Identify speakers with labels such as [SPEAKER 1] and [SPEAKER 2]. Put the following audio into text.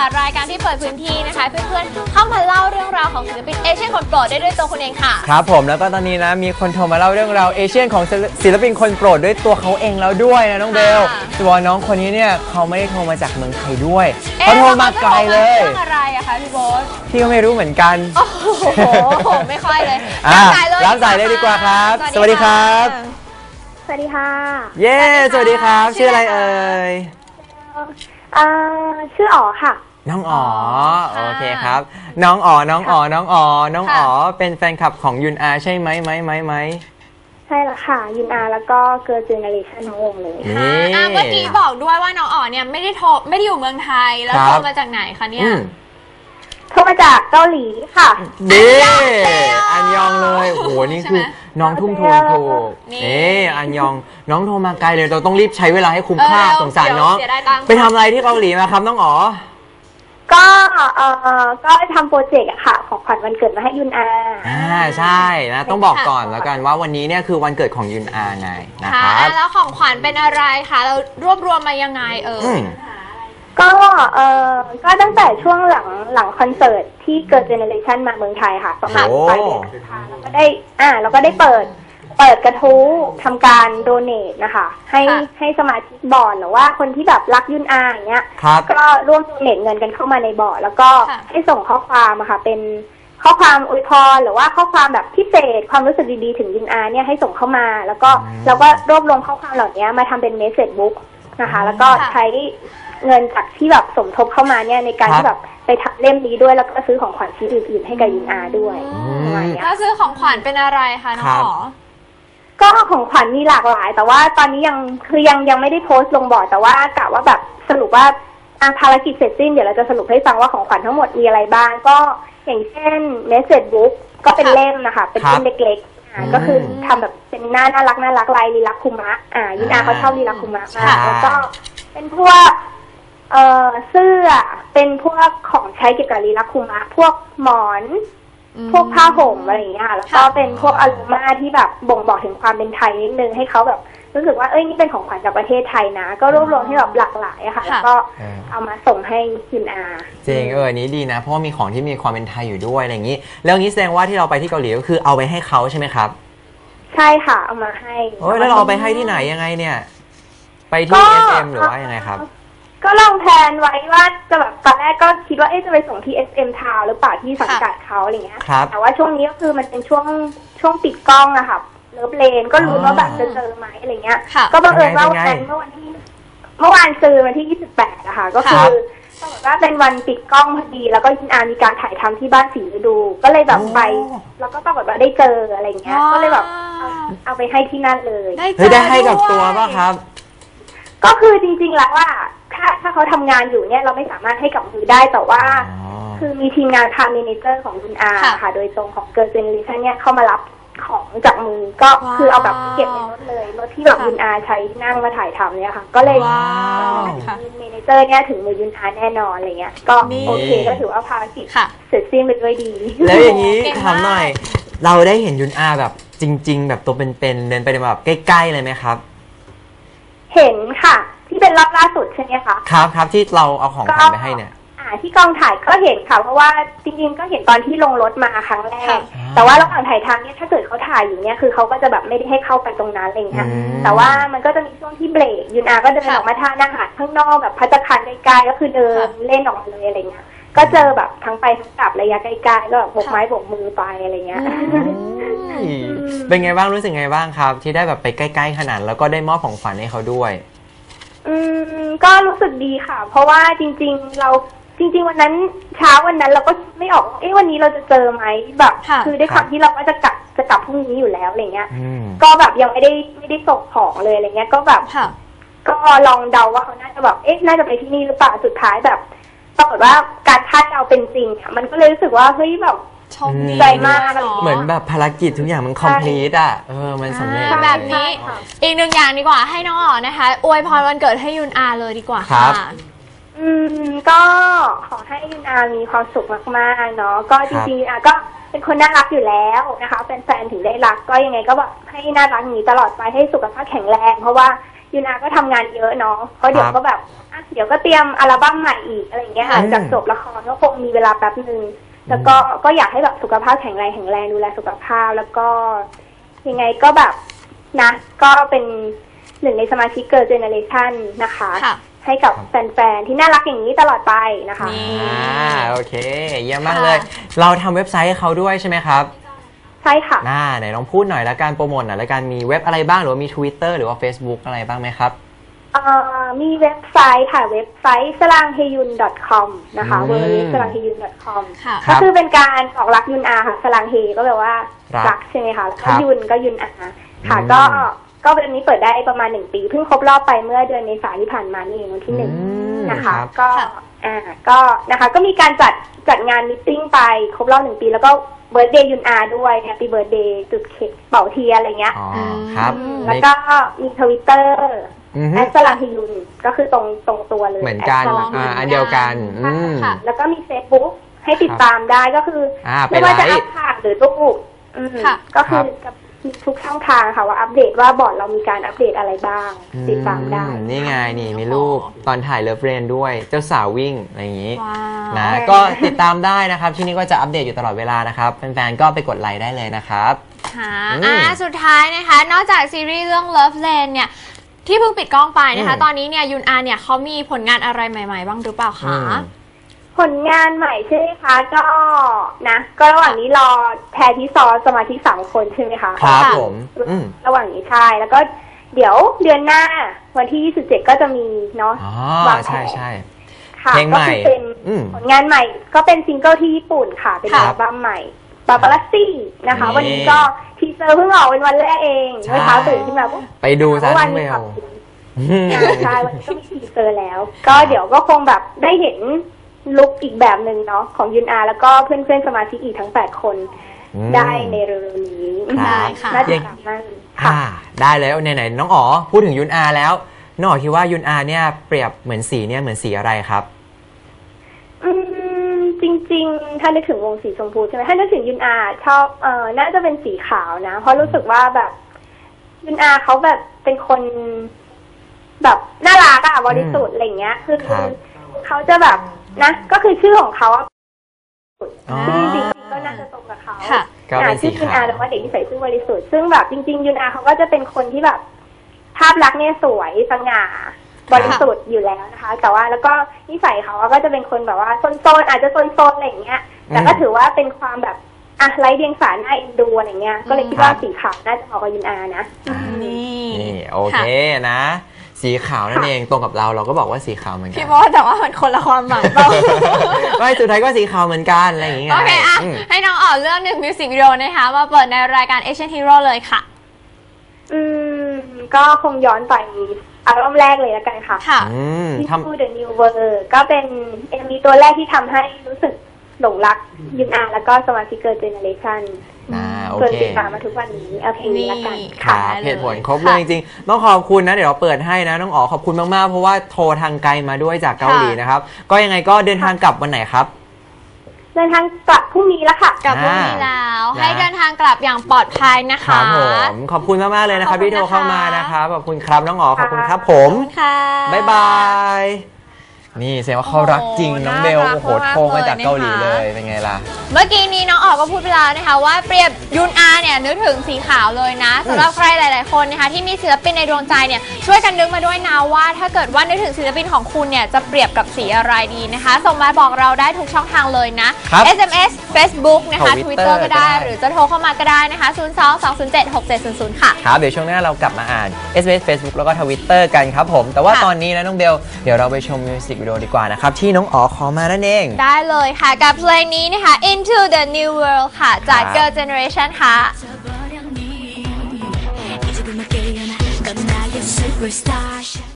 [SPEAKER 1] รายการที่เปิดพื้นที่นะคะเพื่อนๆเข้ามาเล่าเรื่องราวของศิลปินเอเชียนคนโปรดได้ด้วยตัวคุณเองค่ะ
[SPEAKER 2] ครับผมแล้วก็ตอนนี้นะมีคนโทรมาเล่าเรื่องราวเอเชียนของศิลปินคนโปรดด้วยตัวเขาเองแล้วด้วยนะน้องเบลตัวน้องคนนี้เนี่ยเขาไม่ได้โทรมาจากเมืองไทยด้วยเขาโทรมาไกลเลย
[SPEAKER 1] เรื่องอะไรอะคะพี่โบ๊ท
[SPEAKER 2] พี่ก็ไม่รู้เหมือนกัน
[SPEAKER 1] โอ้โหไม่ค่อยเลย
[SPEAKER 2] รับสายเลยดีกว่าครับสวัสดีครับ
[SPEAKER 3] สวัสดีค่ะ
[SPEAKER 2] เย้สวัสดีครับชื่ออะไรเอ่ย
[SPEAKER 3] ชื่ออ๋อค่ะ
[SPEAKER 2] น้องอ๋อโอเคครับน้องอ๋อเป็นแฟนคลับของยุนอาใช่ไหม
[SPEAKER 3] ใช่ละค่ะยุนอาแล้วก็เกิร์ลเจเนอเรชั่นทั้งวงเลย
[SPEAKER 1] เมื่อกี้บอกด้วยว่าน้องอ๋อเนี่ยไม่ได้อยู่เมืองไทยแล้วโทรมาจากไหนคะเนี่ย
[SPEAKER 3] โทรมาจากเกาหลีค่ะ
[SPEAKER 2] ดีอันยองเลยโหนี่คือน้องทุ่มทุนถูกอันยองน้องโทรมาไกลเลยเราต้องรีบใช้เวลาให้คุ้มค่าสงสารน้องไปทำอะไรที่เกาหลีมาครับน้องอ๋อ
[SPEAKER 3] ก็ทำโปรเจกต์อะค่ะของขวัญวันเกิดมาให้ยุนอา
[SPEAKER 2] ใช่นะต้องบอกก่อนแล้วกันว่าวันนี้เนี่ยคือวันเกิดของยุนอาไงนะครับ
[SPEAKER 1] แล้วของขวัญเป็นอะไรคะเรารวบรวมมายังไง
[SPEAKER 3] ก็ตั้งแต่ช่วงหลังคอนเสิร์ตที่เกิร์ลเจเนอเรชั่นมาเมืองไทยค่ะประมาณปลายเดือนพฤษภาคมเราก็ได้เปิดกระทู้ทำการโดเนทนะคะให้สมาชิกบอร์ดหรือว่าคนที่แบบรักยุนอาอย่างเงี้ยก็ร่วมโดเนทเงินกันเข้ามาในบอร์ดแล้วก็ให้ส่งข้อความอะค่ะเป็นข้อความอวยพรหรือว่าข้อความแบบพิเศษความรู้สึกดีๆถึงยุนอาเนี่ยให้ส่งเข้ามาแล้วก็เราก็รวบรวมข้อความเหล่านี้มาทำเป็นเมสเสจบุ๊กนะคะแล้วก็ใช้เงินจากที่แบบสมทบเข้ามาเนี่ยในการที่แบบไปทำเล่มนี้ด้วยแล้วก็ซื้อของขวัญชิ้นอื่นๆให้กับยุนอาด้วย
[SPEAKER 1] ก็ซื้อของขวัญเป็นอะไรคะน้องอ๋อ
[SPEAKER 3] ก็ของขวัญมีหลากหลายแต่ว่าตอนนี้ยังไม่ได้โพสต์ลงบอร์ดแต่ว่ากะว่าแบบสรุปว่าภารกิจเสร็จสิ้นเดี๋ยวเราจะสรุปให้ฟังว่าของขวัญทั้งหมดมีอะไรบ้างก็อย่างเช่นเมสเสจบุ๊กก็เป็นเล่มนะคะเป็นเล่มเล็กๆก็คือทำแบบเป็นหน้าน่ารักลายลีลาคุมะยุนอาเขาชอบลีลาคุมะมากแล้วก็เป็นพวกเสื้อเป็นพวกของใช้เกี่ยวกับลีลาคุมะพวกหมอนพวกผ้าห่มอะไรอย่างเงี้ยแล้วก็เป็นพวกอลูมาที่แบบบ่งบอกถึงความเป็นไทยนิดนึงให้เขาแบบรู้สึกว่านี่เป็นของขวัญจากประเทศไทยนะก็รวบรวมให้แบบหลากหลายอะค่ะแล้วก็เอามาส่งให้ยุนอา
[SPEAKER 2] จริงนี้ดีนะเพราะว่ามีของที่มีความเป็นไทยอยู่ด้วยอะไรอย่างนี้แล้วนี้แสดงว่าที่เราไปที่เกาหลีก็คือเอาไปให้เขาใช่ไหมครับ
[SPEAKER 3] ใช่ค่ะเอามาให้
[SPEAKER 2] แล้วเราเอาไปให้ที่ไหนยังไงเนี่ยไปที่ SM หรือว่ายังไงครับ
[SPEAKER 3] ก็ลองแพลนไว้ว่าจะแบบตอนแรกก็คิดว่าจะไปส่งที่ SM Town หรือเปล่าที่สังกัดเขาอะไรเงี้ยแต่ว่าช่วงนี้ก็คือมันเป็นช่วงปิดกล้องอะค่ะเลิฟเลนก็รู้ว่าแบบจะเจอไหมอะไรเงี้ยก็บังเอิญว่าวันเมื่อวานซื้อวันที่28อะค่ะก็คือปรากฏว่าเป็นวันปิดกล้องพอดีแล้วก็ยินอามีการถ่ายทำที่บ้านสีฤดูก็เลยแบบไปแล้วก็ปรากฏว่าได้เจออะไรเงี้ยก็เลยแบบเอาไปให้ที่นั่นเลย
[SPEAKER 2] ได้ให้กับตัวป่ะครับ
[SPEAKER 3] ก็คือจริงๆแล้วว่าถ้าเขาทำงานอยู่เนี่ยเราไม่สามารถให้กับมือได้แต่ว่าคือมีทีมงานพาเมเนเจอร์ของคุณอาค่ะโดยตรงของเกิร์ลเจเนอเรชั่นเนี่ยเข้ามารับของจากมือก็คือเอาแบบเก็บในรถเลยรถที่แบบคุณอาใช้นั่งมาถ่ายทำเนี่ยค่ะก็เลยเมเนเจอร์เนี่ยถึงมือคุณอาแน่นอนอะไรเงี้ยก็โอเคก็ถือว่าภารกิจเสร็จสิ้นไปด้วยดี
[SPEAKER 2] แล้วอย่างนี้ถามหน่อยเราได้เห็นยุนอาแบบจริงๆแบบตัวเป็นๆเดินไปแบบใกล้ๆเลยไหมครับ
[SPEAKER 3] เห็นค่ะที่เป็นรอบล่าสุดใช่ไหมคะ
[SPEAKER 2] ครับที่เราเอาของขวัญไปให้เนี่ย
[SPEAKER 3] ที่กองถ่ายก็เห็นค่ะเพราะว่าจริงๆก็เห็นตอนที่ลงรถมาครั้งแรกแต่ว่าระหว่างถ่ายทำเนี่ยถ้าเกิดเขาถ่ายอยู่เนี่ยคือเขาก็จะแบบไม่ได้ให้เข้าไปตรงนั้นอะไรอย่างเงี้ยแต่ว่ามันก็จะมีช่วงที่เบรกยุนอาก็เดินออกมาทานอาหารข้างนอกแบบภัตตาคารใกล้ๆก็คือเดินเล่นออกมาเลยอะไรเงี้ยก็เจอแบบทั้งไปทั้งกลับระยะใกล้ๆก็แบบโบกไม้โบกมือไปอะไรเงี้ย
[SPEAKER 2] เป็นไงบ้างรู้สึกไงบ้างครับที่ได้แบบไปใกล้ๆขนาดแล้วก็ได้มอบของขวัญให้เขาด้วย
[SPEAKER 3] ก็รู้สึกดีค่ะเพราะว่าจริงๆวันนั้นเช้าวันนั้นเราก็ไม่ออกวันนี้เราจะเจอไหมแบบคือด้วยความที่เราก็จะกลับพรุ่งนี้อยู่แล้วอะไรเงี้ยก็แบบยังไม่ได้ส่งของเลยอะไรเงี้ยก็แบบก็ลองเดาว่าเขาน่าจะแบบน่าจะไปที่นี่หรือเปล่าสุดท้ายแบบปรากฏว่าการคาดเดาเป็นจริงอ่ะมันก็เลยรู้สึกว่าเฮ้ยแบบใจมาก
[SPEAKER 2] เหมือนแบบภารกิจทุกอย่างมันคอมพลีทอ่ะมันสำเร็จ
[SPEAKER 1] แบบนี้อีกหนึ่งอย่างดีกว่าให้น้องอ๋อนะคะอวยพรวันเกิดให้ยุนอาเลยดีกว่าค่ะ
[SPEAKER 3] ก็ขอให้ยุนอามีความสุขมากๆเนาะก็จริงๆยุนอาก็เป็นคนน่ารักอยู่แล้วนะคะแฟนๆถึงได้รักก็ยังไงก็แบบให้น่ารักอย่างนี้ตลอดไปให้สุขภาพแข็งแรงเพราะว่ายูนาก็ทำงานเยอะเนาะเพราะเดี๋ยวก็แบบเดี๋ยวก็เตรียมอัลบั้มใหม่อีกอะไรอย่างเงี้ยค่ะจากจบละครก็คงมีเวลาแป๊บนึงแล้วก็อยากให้แบบสุขภาพแข็งแรงดูแลสุขภาพแล้วก็ยังไงก็แบบนะก็เป็นหนึ่งในสมาชิกเกิร์ลเจเนอเรชันนะคะให้กับแฟนๆที่น่ารักอย่างนี้ตลอดไปนะคะ
[SPEAKER 2] โอเคเยี่ยมมากเลยเราทำเว็บไซต์ให้เขาด้วยใช่ไหมครับ
[SPEAKER 3] ใช่ค่ะ
[SPEAKER 2] ไหนลองพูดหน่อยแล้วการโปรโมทหน่อยแล้วการมีเว็บอะไรบ้างหรือว่ามี Twitter หรือว่า Facebook อะไรบ้างไหมครับ
[SPEAKER 3] มีเว็บไซต์ค่ะเว็บไซต์slanghyun.com นะคะ www.slanghyun.com ก็คือเป็นการบอกรักยุนอาค่ะสลังเฮก็แปลว่ารักใช่ไหมคะแล้วก็ยุนก็ยุนอาค่ะก็เป็นนี้เปิดได้ประมาณ1 ปีเพิ่งครบรอบไปเมื่อเดือนเมษายนที่ผ่านมานี่เองวันที่1นะคะก็นะคะก็มีการจัดงานมิทติ้งไปครบรอบ1 ปีแล้วก็เบิร์ธเดย์ยุนอาด้วยแฮปปี้เบิร์ธเดย์จุดเค้กเป่าเทียอะไรเงี้ย
[SPEAKER 2] ครับ
[SPEAKER 3] แล้วก็มี Twitterแอสลังฮิยุนก็คือตรงตัวเลย
[SPEAKER 2] เหมือนกันอันเดียวกัน
[SPEAKER 3] แล้วก็มี Facebook ให้ติดตามได้ก็คือไม่ว่าจะอัพภาพหรือรูปก็คือทุกช่องทางค่ะว่าอัปเดตว่าบอร์ดเรามีการอัปเดตอะไรบ้างติดตามได้
[SPEAKER 2] นี่ไงนี่มีรูปตอนถ่ายเลิฟเรนด้วยเจ้าสาววิ่งอะไรอย่างนี้นะก็ติดตามได้นะครับที่นี่ก็จะอัปเดตอยู่ตลอดเวลานะครับแฟนๆก็ไปกดไลค์ได้เลยนะครับ
[SPEAKER 1] สุดท้ายนะคะนอกจากซีรีส์เรื่อง Love Lane เนี่ยที่เพิ่งปิดกล้องไปนะคะตอนนี้เนี่ยยุนอาเนี่ยเขามีผลงานอะไรใหม่ๆบ้างหรือเปล่าคะ
[SPEAKER 3] ผลงานใหม่ใช่ไหมคะก็นะก็ระหว่างนี้รอแพรที่ซอสมาชิก3 คนใช่ไหมคะ
[SPEAKER 2] ครับผม
[SPEAKER 3] ระหว่างนี้ใช่แล้วก็เดี๋ยวเดือนหน้าวันที่27ก็จะมีเนาะ
[SPEAKER 2] วางแผนใช่
[SPEAKER 3] ค่ะก็คือเป็นผลงานใหม่ก็เป็นซิงเกิลที่ญี่ปุ่นค่ะเป็นอัลบั้มใหม่ปาปาลัสซี่นะคะวันนี้ก็ทีเซอร์เพิ่งออกเป็นวันแรกเองเมื่อเช้าตื่นขึ้นมา
[SPEAKER 2] ไปดูซะทั้งเมล
[SPEAKER 3] ใช่วันนี้ก็มีทีเซอร์แล้วก็เดี๋ยวก็คงแบบได้เห็นลุคอีกแบบหนึ่งเนาะของยุนอาแล้วก็เพื่อนๆสมาชิกอีกทั้ง8 คนได้ในเร็วๆนี้
[SPEAKER 1] ได้ค่ะ
[SPEAKER 3] น่าจะมาก
[SPEAKER 2] ค่ะได้แล้วไหนๆน้องอ๋อพูดถึงยุนอาแล้วน้องอ๋อคิดว่ายุนอาเนี่ยเปรียบเหมือนสีเนี่ยเหมือนสีอะไรครับ
[SPEAKER 3] จริงๆถ้านึกถึงวงสีชมพูใช่ไหมถ้านึกถึงยุนอาชอบน่าจะเป็นสีขาวนะเพราะรู้สึกว่าแบบยุนอาเขาแบบเป็นคนแบบน่ารักอะบริสุทธิ์อะไรเงี้ยคือเขาจะแบบนะก็คือชื่อของเขาชื่อจริงๆก็น่าจะตรงกับเขาชื่อยุนอาแต่ว่าเด็กที่ใส่ชื่อบริสุทธิ์ซึ่งแบบจริงๆยุนอาเขาก็จะเป็นคนที่แบบภาพลักษณ์เนี่ยสวยสง่าบริสุทธิ์อยู่แล้วนะคะแต่ว่าแล้วก็นิสัยเขาก็จะเป็นคนแบบว่าโซนอาจจะโซนอะไรอย่างเงี้ยแต่ก็ถือว่าเป็นความแบบไร้เดียงสาน่าเอ็นดูอะไรเงี้ยก็เลยคิดว่าสีขาวน่าจะเหมาะกับยุนอานะ
[SPEAKER 2] นี่โอเคนะสีขาวนั่นเองตรงกับเราก็บอกว่าสีขาวเหมือนกัน
[SPEAKER 1] พี่บอกแต่ว่ามันคนละความหมายเปล่า
[SPEAKER 2] ไม่สุดท้ายก็สีขาวเหมือนกันอะไรอย่างเงี้ย
[SPEAKER 1] โอเคให้น้องอ๋อเรื่อง1มิวสิกวิดีโอนะคะมาเปิดในรายการ Asian Hero เลยค่ะ
[SPEAKER 3] ก็คงย้อนไปอัลบั้มแรกเลยแล้วกันค่ะTo the New World ก็เป็น MV ตัวแรกที่ทำให้รู้สึกหลงรักยุนอาแล้วก็สมาชิกเกิร์ลเจเนอเรชั่นจนติดตามมาทุกวันนี้เอาเพลงนี้ละกัน
[SPEAKER 2] ค่ะเหตุผลครบเลยจริงๆต้องขอบคุณนะเดี๋ยวเราเปิดให้นะน้องอ๋อขอบคุณมากๆเพราะว่าโทรทางไกลมาด้วยจากเกาหลีนะครับก็ยังไงก็เดินทางกลับวันไหนครับ
[SPEAKER 3] เดินทางกลับพรุ่งนี้แล้วค่ะ
[SPEAKER 1] กลับพรุ่งนี้แล้วให้เดินทางกลับอย่างปลอดภัยนะคะ
[SPEAKER 2] ครับผมขอบคุณมากๆเลยนะครับที่โทรเข้ามานะครับขอบคุณครับน้องอ๋อขอบคุณครับผมบ๊ายบายนี่แสดงว่าเขารักจริงน้องเบลโอ้โหโทรมาจากเกาหลีเลยเป็นไงล่ะ
[SPEAKER 1] เมื่อกี้นี้น้องอ๋อก็พูดไปแล้วนะคะว่าเปรียบยุนอาเนี่ยนึกถึงสีขาวเลยนะสำหรับใครหลายๆคนนะคะที่มีศิลปินในดวงใจเนี่ยช่วยกันนึกมาด้วยนะว่าถ้าเกิดว่านึกถึงศิลปินของคุณเนี่ยจะเปรียบกับสีอะไรดีนะคะส่งมาบอกเราได้ทุกช่องทางเลยนะ SMS Facebook นะคะ Twitter ก็ได้หรือจะโทรเข้ามาก็ได้นะคะ02-207-6700ค่ะ
[SPEAKER 2] ครับเดี๋ยวช่วงหน้าเรากลับมาอ่าน SMS Facebook แล้วก็ Twitter กันครับผมแต่ว่าตอนนี้นะน้องเบลเดี๋ยวเราไปชมมิวสิกวิดีโอดีกว่านะครับที่น้องอ๋อขอมานั่นเอง
[SPEAKER 1] ได้เลยค่ะกับเพลงนี้นะคะ Into the New World ค่ะจาก Girl Generation ค่ะ